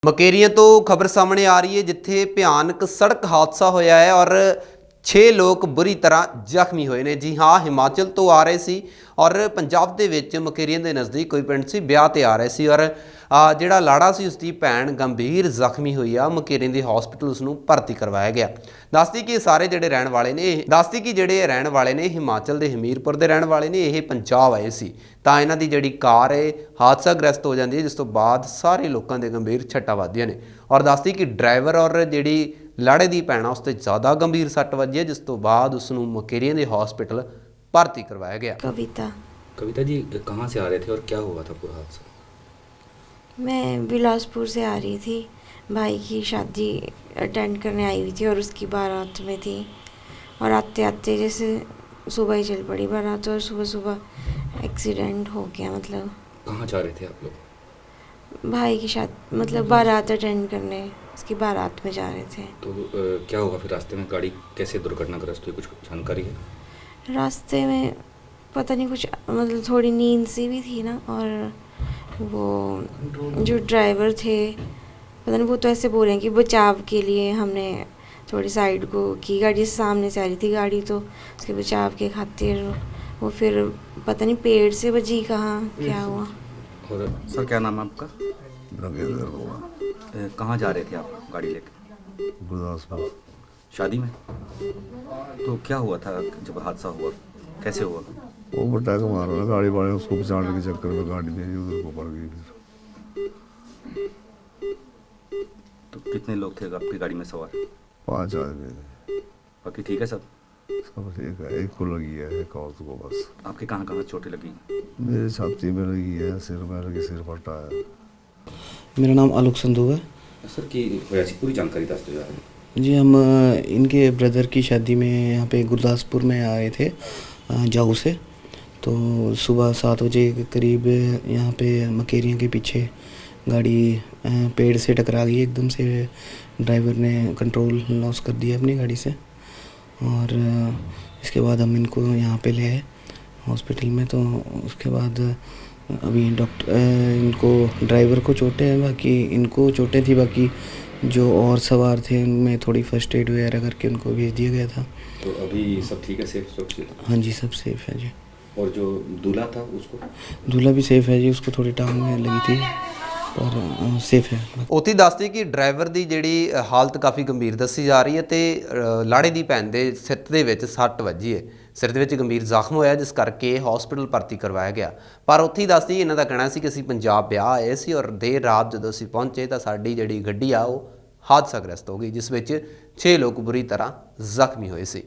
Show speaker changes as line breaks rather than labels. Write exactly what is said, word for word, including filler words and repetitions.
ਮਕੇਰੀਆਂ ਤੋਂ ਖਬਰ ਸਾਹਮਣੇ ਆ ਰਹੀ ਹੈ ਜਿੱਥੇ ਭਿਆਨਕ ਸੜਕ ਹਾਦਸਾ ਹੋਇਆ ਹੈ ਔਰ छे लोग बुरी तरह ਜ਼ਖਮੀ ਹੋਏ ਨੇ। जी हाँ, हिमाचल तो आ रहे सी और पंजाब ਦੇ ਵਿੱਚ ਮਕੇਰੀਆਂ ਦੇ ਨਜ਼ਦੀਕ ਕੋਈ ਪਿੰਡ ਸੀ, ਵਿਆਹ ਤੇ ਆ ਰਹੇ ਸੀ ਔਰ ਜਿਹੜਾ ਲਾੜਾ ਸੀ ਉਸਦੀ ਭੈਣ ਗੰਭੀਰ ਜ਼ਖਮੀ ਹੋਈ ਆ। ਮਕੇਰੀਆਂ ਦੇ ਹਸਪੀਟਲ ਉਸ ਨੂੰ ਭਰਤੀ ਕਰਵਾਇਆ ਗਿਆ। ਦੱਸਦੀ ਕਿ ਸਾਰੇ ਜਿਹੜੇ ਰਹਿਣ ਵਾਲੇ ਨੇ ਦੱਸਦੀ ਕਿ ਜਿਹੜੇ ਰਹਿਣ ਵਾਲੇ ਨੇ ਹਿਮਾਚਲ ਦੇ ਹਮੀਰਪੁਰ ਦੇ ਰਹਿਣ ਵਾਲੇ ਨੇ, ਇਹ ਪੰਜਾਬ ਆਏ ਸੀ ਤਾਂ ਇਹਨਾਂ ਦੀ ਜਿਹੜੀ ਕਾਰ ਹੈ ਹਾਦਸਾਗ੍ਰਸਤ ਹੋ ਜਾਂਦੀ ਹੈ, ਜਿਸ ਤੋਂ ਬਾਅਦ ਸਾਰੇ ਲੋਕਾਂ ਦੇ ਗੰਭੀਰ ਛੱਟਾਂ ਵੱਜਦੀਆਂ ਨੇ ਔਰ ਦੱਸਦੀ ਕਿ ਡਰਾਈਵਰ ਔਰ ਜਿਹੜੀ लाड़े की भैन उस पर ज़्यादा गंभीर सट वजी है, जिस तो बाद उसनू मकेरिया के हॉस्पिटल भर्ती करवाया गया।
कविता
कविता जी कहाँ से आ रहे थे और क्या हुआ था पूरा हादसा?
मैं बिलासपुर से आ रही थी, भाई की शादी अटेंड करने आई हुई थी और उसकी बारात में थी और आते आते जैसे सुबह ही चल पड़ी बारात और सुबह सुबह एक्सीडेंट हो गया। मतलब
कहाँ जा रहे थे आप लोग?
भाई की शादी मतलब बारात अटेंड करने, उसकी बारात में जा रहे थे।
तो आ, क्या हुआ फिर रास्ते में? गाड़ी कैसे दुर्घटनाग्रस्त हुई, कुछ जानकारी है?
रास्ते में पता नहीं कुछ, मतलब थोड़ी नींद सी भी थी ना, और वो जो ड्राइवर थे पता नहीं, वो तो ऐसे बोल रहे हैं कि बचाव के लिए हमने थोड़ी साइड को की, गाड़ी सामने से आ रही थी गाड़ी, तो उसके बचाव के खातिर वो फिर पता नहीं पेड़ से बजी, कहाँ क्या हुआ।
और सर क्या नाम है आपका?
ब्रगेंद्र कुमार।
कहाँ जा रहे थे आप गाड़ी लेकर?
गुरदासपुर
शादी में। तो क्या हुआ था जब हादसा हुआ, कैसे हुआ?
वो बट्टा को मारो ना गाड़ी वाले, उसको बचाने के चक्कर में गाड़ी मेरी उधर को पड़ गई। फिर
तो कितने लोग थे आपकी गाड़ी में सवार?
पांच आदमी थे।
बाकी ठीक है सब?
सब ठीक है, एक को लगी है, एक और को बस।
आपके कहाँ कहाँ चोटें लगी?
मेरी छाती में लगी है, सिर में लगी, सिर फटा है।
मेरा नाम आलोक संधू है।
सर की वैसी पूरी जानकारी दस दो यार।
जी, हम अ, इनके ब्रदर की शादी में यहाँ पे गुरदासपुर में आए थे अ, जाऊ से। तो सुबह सात बजे के करीब यहाँ पे मकेरिया के पीछे गाड़ी अ, पेड़ से टकरा गई एकदम से। ड्राइवर ने कंट्रोल लॉस कर दिया अपनी गाड़ी से और अ, इसके बाद हम इनको यहाँ पे ले आए हॉस्पिटल में। तो उसके बाद अभी डॉक्टर इनको ड्राइवर को चोटें हैं, बाकी इनको चोटें थी, बाकी जो और सवार थे उनमें थोड़ी फर्स्ट एड वगैरह करके उनको भेज दिया गया था।
तो अभी सब ठीक है, सेफ सुरक्षित?
हाँ जी, सब सेफ है जी।
और जो दूल्हा था उसको?
दूल्हा भी सेफ है जी, उसको थोड़ी टांग में लगी थी पर अ, सेफ है।
ਉੱਥੇ ਦੱਸਦੀ ਕਿ ਡਰਾਈਵਰ ਦੀ ਜਿਹੜੀ ਹਾਲਤ ਕਾਫੀ ਗੰਭੀਰ ਦੱਸੀ ਜਾ ਰਹੀ ਹੈ ਤੇ ਲਾੜੇ ਦੀ ਭੈਣ ਦੇ ਸਿਰ ਦੇ ਵਿੱਚ ਸੱਟ ਵੱਜੀ ਹੈ, ਸਿਰ ਦੇ ਵਿੱਚ ਗੰਭੀਰ ਜ਼ਖਮ ਹੋਇਆ, ਜਿਸ ਕਰਕੇ ਹਸਪੀਟਲ ਭਰਤੀ ਕਰਵਾਇਆ ਗਿਆ। ਪਰ ਉੱਥੇ ਹੀ ਦੱਸਦੀ ਇਹਨਾਂ ਦਾ ਕਹਿਣਾ ਸੀ ਕਿ ਅਸੀਂ ਪੰਜਾਬ ਵਿਆਹ ਆਏ ਸੀ ਔਰ ਦੇਰ ਰਾਤ ਜਦੋਂ ਅਸੀਂ ਪਹੁੰਚੇ ਤਾਂ ਸਾਡੀ ਜਿਹੜੀ ਗੱਡੀ ਆ ਉਹ ਹਾਦਸਾਗ੍ਰਸਤ ਹੋ ਗਈ, ਜਿਸ ਵਿੱਚ ਛੇ ਲੋਕ ਬੁਰੀ ਤਰ੍ਹਾਂ ਜ਼ਖਮੀ ਹੋਏ ਸੀ।